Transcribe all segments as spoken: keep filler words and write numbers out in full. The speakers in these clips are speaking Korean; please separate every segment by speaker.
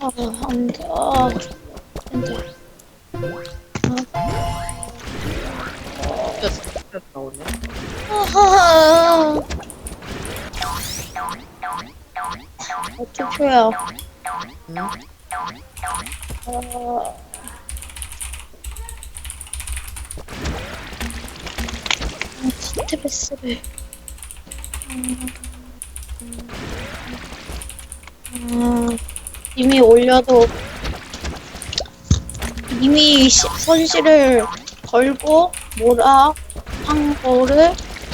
Speaker 1: 아, 안 돼. 아, 안 돼.
Speaker 2: 진짜 진짜 나오네.
Speaker 1: 아하하. 어, 투표야.
Speaker 2: 응?
Speaker 1: 아, 스트레스를. 아, 이미 올려도 이미 시- 손실을 걸고 뭐라 한 거를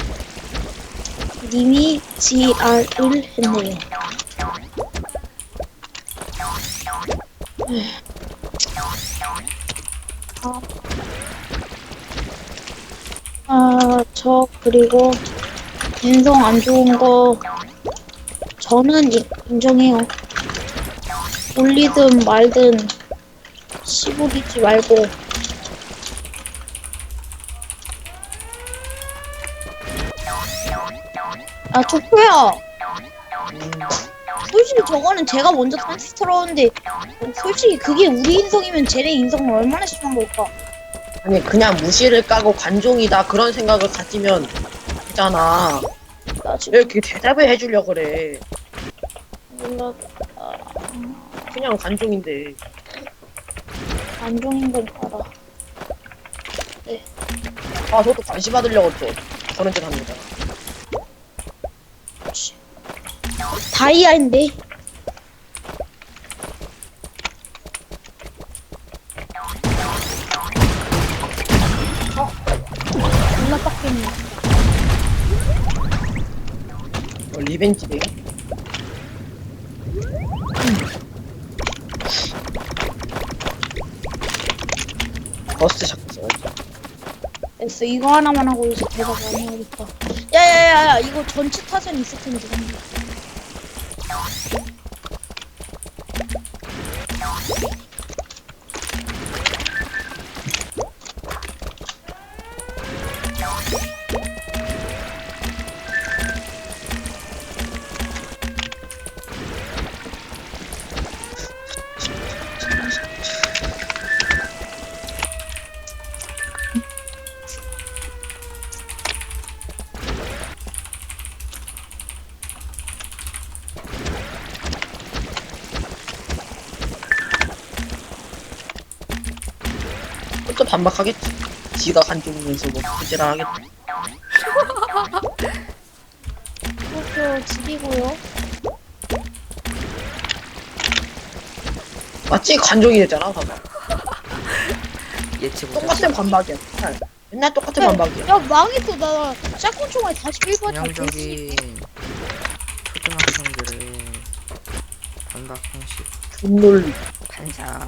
Speaker 1: 님이 지알을 했네요. 아, 아, 저 그리고 인성 안 좋은 거 저는 이- 인정해요. 올리든 말든 씨부리지 말고. 아, 투표야.
Speaker 2: 음,
Speaker 1: 솔직히 저거는 제가 먼저 탐스러운데 솔직히 그게 우리 인성이면 쟤네 인성은 얼마나 심한 걸까?
Speaker 2: 아니 그냥 무시를 까고 관종이다 그런 생각을 가지면 되잖아.
Speaker 1: 나
Speaker 2: 왜
Speaker 1: 지금
Speaker 2: 이렇게 대답을 해주려 그래?
Speaker 1: 몰라. 아,
Speaker 2: 그냥 관종인데.
Speaker 1: 안종인 건 알아.
Speaker 2: 아 저도 관심 받으려고 또 그런 짓 하는 거잖아.
Speaker 1: 다이아인데. 어? 존나 빡겠네.
Speaker 2: 어, 리벤지네. 버스 샷 써야지.
Speaker 1: 됐어. 이거 하나만 하고 이제 대답 안 해야겠다. 야야야야, 이거 전체 타선 있을 텐데.
Speaker 2: 또 반박하겠지. 지가 관종이면서 뭐 부지런 하겠지.
Speaker 1: 그렇게 죽이고요.
Speaker 2: 맞지? 관종이 됐잖아, 봐봐.
Speaker 3: 예측 못했어.
Speaker 2: 똑같은 반박이야. 맨날, 맨날 똑같은 반박이야.
Speaker 1: 야, 망했어. 나 짝꿍 총알 사십일 번 다 됐어.
Speaker 3: 전형적인 초등학생들의 반박 형식.
Speaker 2: 분놀
Speaker 3: 반사.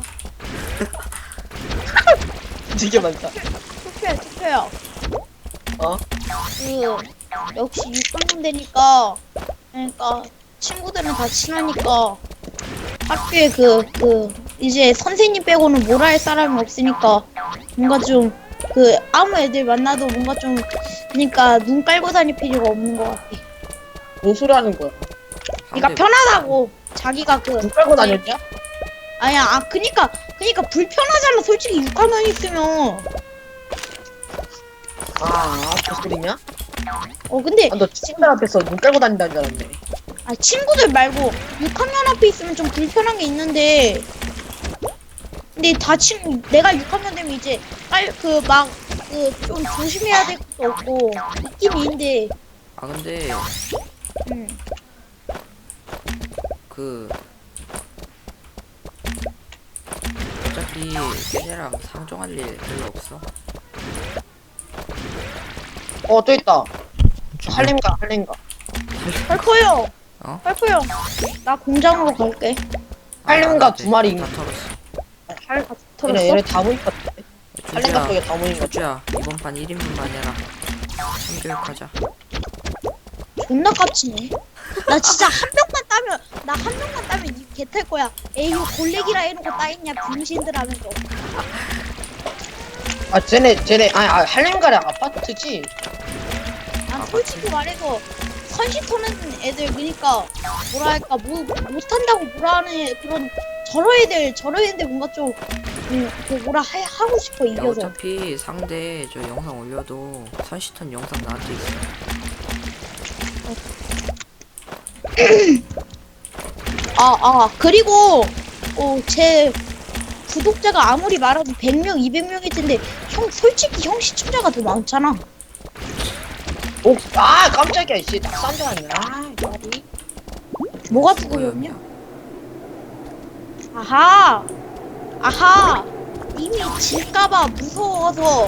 Speaker 2: 되게 많다.
Speaker 1: 투표야, 투표야.
Speaker 2: 어?
Speaker 1: 그 역시 육학년 되니까 그러니까 친구들은 다 친하니까 학교에 그 그 이제 선생님 빼고는 뭐라 할 사람이 없으니까 뭔가 좀 그 아무 애들 만나도 뭔가 좀 그러니까 눈 깔고 다닐 필요가 없는 것 같아.
Speaker 2: 뭔 소리 하는 거야?
Speaker 1: 그러니까 편하다고 자기가 그
Speaker 2: 눈 깔고 다녔냐?
Speaker 1: 아니야 아 그니까 그니까 불편하잖아 솔직히 육학년 있으면.
Speaker 2: 아, 그 소리냐?
Speaker 1: 어 근데
Speaker 2: 아, 너 친구들 앞에서 눈 깔고 다닌다는 줄 알았네.
Speaker 1: 아 친구들 말고 육학년 앞에 있으면 좀 불편한 게 있는데 근데 다 친 내가 육학년 되면 이제 빨 그 막 그 좀 조심해야 될 것도 없고 있긴 있는데
Speaker 3: 아 근데
Speaker 1: 음.
Speaker 3: 그 어차피 걔네랑 상종할 일 별로 없어.
Speaker 2: 어, 또 있다. 할렘가, 할렘가.
Speaker 1: 펄퍼요
Speaker 3: 어?
Speaker 1: 펄퍼요 나 공장으로 갈게.
Speaker 2: 할렘가
Speaker 3: 아,
Speaker 2: 두 마리.
Speaker 3: 다 털었어.
Speaker 2: 할,
Speaker 1: 아, 털었어?
Speaker 2: 얘네, 얘네 다 모인 것 같아. 할렘가
Speaker 3: 조주야,
Speaker 2: 쪽에 다 모인 것 같아.
Speaker 3: 조주야 이번 판 일 인분만 해라. 참교육하자.
Speaker 1: 존나 깝치네. 나 진짜 한 명만 따면 나 한 명만 따면 이 개탈 거야. 에이유 골래기라 해놓고 따있냐 병신들 하면서.
Speaker 2: 아, 쟤네, 쟤네, 아니, 아, 할렘가랑 아파트지?
Speaker 1: 난 솔직히 말해서 선시 터는 애들 그니까 뭐랄까 뭐 못한다고 뭐라 하는 애- 그런 저런 애들 저런 애들 뭔가 좀 음, 그 뭐라 하, 하고 싶어
Speaker 3: 야,
Speaker 1: 이겨서.
Speaker 3: 어차피 상대 저 영상 올려도 선시턴 영상 나한테 있어.
Speaker 1: 아, 아, 그리고, 어, 제 구독자가 아무리 말해도 백 명, 이백 명일 텐데, 형, 솔직히 형 시청자가 더 많잖아.
Speaker 2: 오, 아 깜짝이야 씨 낙산 줄 알았네. 아 이거
Speaker 1: 뭐가 두고였냐? 아하! 아하! 이미 질까봐 무서워서,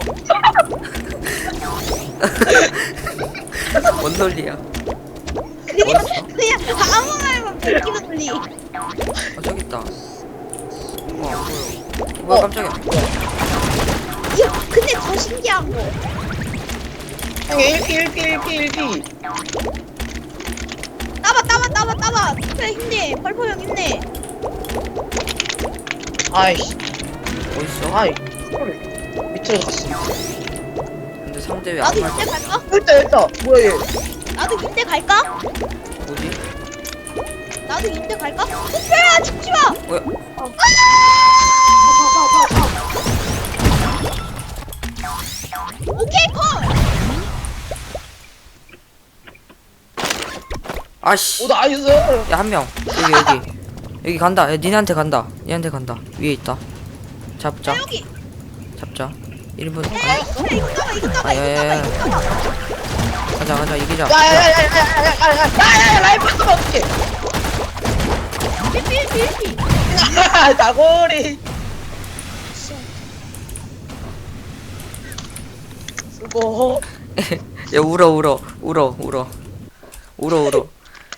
Speaker 3: 뭔 논리야?
Speaker 1: 그냥,
Speaker 3: 뭐였어?
Speaker 1: 그냥 아무 말만 베끼는 소리.
Speaker 3: 아 저기 있다. 어 안 보여. 뭐야 깜짝이야.
Speaker 1: 이거, 근데 더 신기한 거.
Speaker 2: 형이 일 피 일 피 일 피 일 피
Speaker 1: 따봐, 따봐, 따봐, 따봐. 그래, 힘내. 펄펄 형 힘내.
Speaker 2: 아이씨
Speaker 3: 어딨어?
Speaker 2: 아이 밑으로 갔어.
Speaker 3: 근데 상대 왜
Speaker 1: 나도
Speaker 3: 안
Speaker 1: 이때
Speaker 3: 말려?
Speaker 1: 갈까?
Speaker 2: 일단 일단 뭐야 얘.
Speaker 1: 나도 이때 갈까?
Speaker 3: 뭐지?
Speaker 1: 나도 이때 갈까? 흑별아, 죽지 마!
Speaker 3: 뭐야?
Speaker 1: 오케이, 컷!
Speaker 3: 아씨.
Speaker 2: 오 나이스.
Speaker 3: 야 한 명. 여기 여기. 여기 간다. 야 니네한테 간다. 니한테 간다. 위에 있다. 잡자.
Speaker 1: 야, 여기!
Speaker 3: 잡자. 일 분.
Speaker 1: 야, 야, 이거 따봐, 이거 따봐,
Speaker 3: 아,
Speaker 1: 이거
Speaker 3: 야,
Speaker 1: 따봐,
Speaker 3: 야,
Speaker 1: 이거 따봐.
Speaker 3: 가자 가자 이기자.
Speaker 2: 야야야야야야야야야야야 라이프 쓰면 어떡해.
Speaker 1: 일피, 일피, 일피.
Speaker 2: 나고리 수고.
Speaker 3: 야 울어 울어 울어 울어 울어 울어.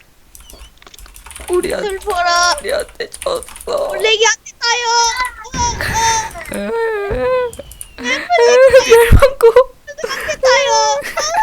Speaker 3: 우리한
Speaker 1: 슬퍼라.
Speaker 3: 우리한테 졌어.
Speaker 1: 블랙이한테 따요.
Speaker 3: 멸망고.
Speaker 1: 한테 따요.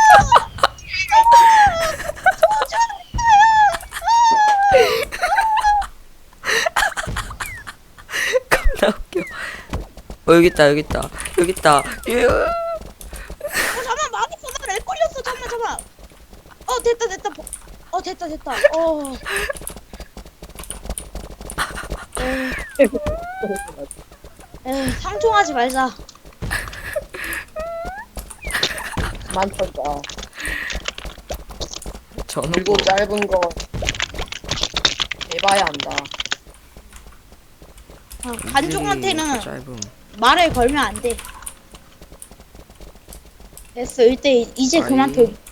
Speaker 3: 겁나 웃겨. 어 여기 있다 여기 있다 여기 있다. 유.
Speaker 1: 어, 잠깐만, 망했어. 나렉 걸렸어. 잠깐만, 잠깐만. 어, 됐다, 됐다. 어, 됐다, 됐다. 어. 에이, 상종하지 말자.
Speaker 2: 그만 털자.
Speaker 3: 저는
Speaker 2: 길고
Speaker 3: 뭐
Speaker 2: 짧은 거 해봐야 한다.
Speaker 1: 아, 관종한테는
Speaker 3: 짧음.
Speaker 1: 말을 걸면 안 돼. 됐어, 이때 이제 그만 둬.